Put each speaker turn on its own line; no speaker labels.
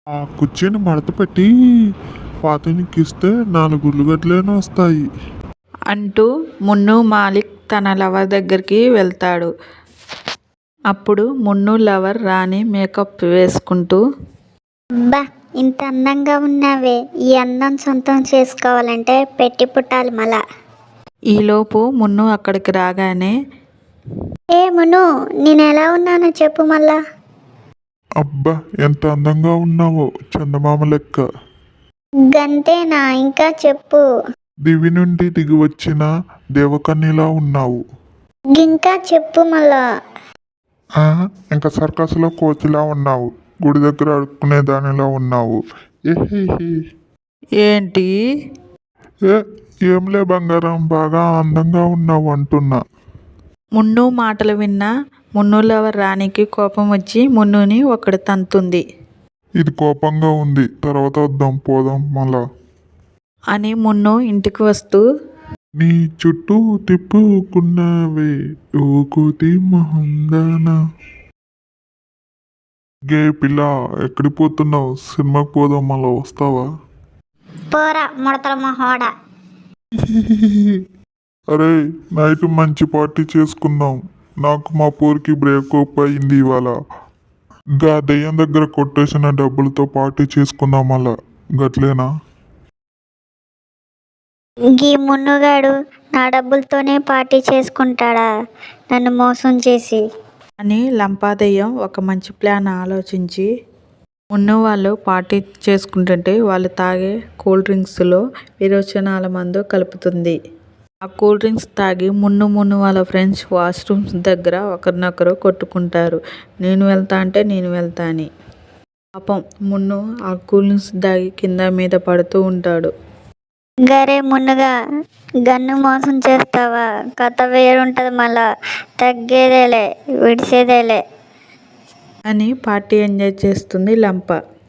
ఆ కుర్చీని మడత పెట్టి పాతనికిస్తే 4 ఉల్లిగడ్డలైనా వస్తాయి
అంటూ మున్ను మాలిక్ తన లవర్ దగ్గరికి వెళ్తాడు. అప్పుడు మున్ను లవర్ రాణి మేకప్ వేసుకుంటూ,
అబ్బా, ఇంత అందంగా ఉన్నావే, ఈ అందం సొంతం చేసుకోవాలంటే పెట్టి పుట్టాలి మళ్ళా.
ఈలోపు మున్ను అక్కడికి రాగానే,
ఏ మును, నేను ఎలా ఉన్నానో చెప్పు మళ్ళా.
అబ్బా ఎంత అందంగా ఉన్నావో చందమామ లెక్క.
గంతేనా, ఇంకా చెప్పు.
దివి నుండి దిగి వచ్చిన దేవకన్యలా ఉన్నావు.
ఇంకా చెప్పు మళ్ళా.
ఇంకా సర్కస్లో కోతిలా ఉన్నావు. గుడి దగ్గర అడుక్కునే దానిలా ఉన్నావు. ఏహేహే.
ఏంటి?
ఏంలే బంగారం, బాగా అందంగా ఉన్నావు అంటున్నా.
మున్ను మాటలు విన్న మున్ను లవర్ రాణికి కోపం వచ్చి మున్నుని ఒకటి తంతుంది.
ఇది కోపంగా ఉంది, తర్వాత వద్దాం పోదాం మళ్ళా
అని మున్ను ఇంటికి వస్తూ,
నీ చుట్టూ తిప్పుకున్నావే ఓ కోతి మహందానా. గే పిల్ల, ఎక్కడికి పోతున్నావు? సినిమాకి పోదాం, మళ్ళా వస్తావా?
పోరా ముడతల మొహోడా.
అరే నైట్ మంచి పార్టీ చేసుకుందాం. నాకు మా పోరికి బ్రేకప్ అయింది ఇవాళ. గా దెయ్యం దగ్గర కొట్టేసిన డబ్బులతో పార్టీ చేసుకుందాం మళ్ళా, గట్లేనా?
గీ మున్నుగాడు నా డబ్బులతోనే పార్టీ చేసుకుంటాడా, నన్ను మోసం చేసి?
అని లంపాదయ్యం ఒక మంచి ప్లాన్ ఆలోచించి, మున్ను వాళ్ళు పార్టీ చేసుకుంటుంటే వాళ్ళు తాగే కూల్ డ్రింక్స్లో విరోచనాల మందు కలుపుతుంది. ఆ కూల్ డ్రింక్స్ తాగి మున్ను వాళ్ళ ఫ్రెండ్స్ వాష్రూమ్స్ దగ్గర ఒకరినొకరు కొట్టుకుంటారు. నేను వెళ్తా అంటే నేను వెళ్తా అని. పాపం మున్ను ఆ కూల్ డ్రింక్స్ తాగి కింద మీద పడుతూ ఉంటాడు.
గరే మున్నుగా, గన్ను మోసం చేస్తావా? కథ వేరుంటది మళ్ళా, తగ్గేదేలే విడిసేదేలే
అని పార్టీ ఎంజాయ్ చేస్తుంది లంప.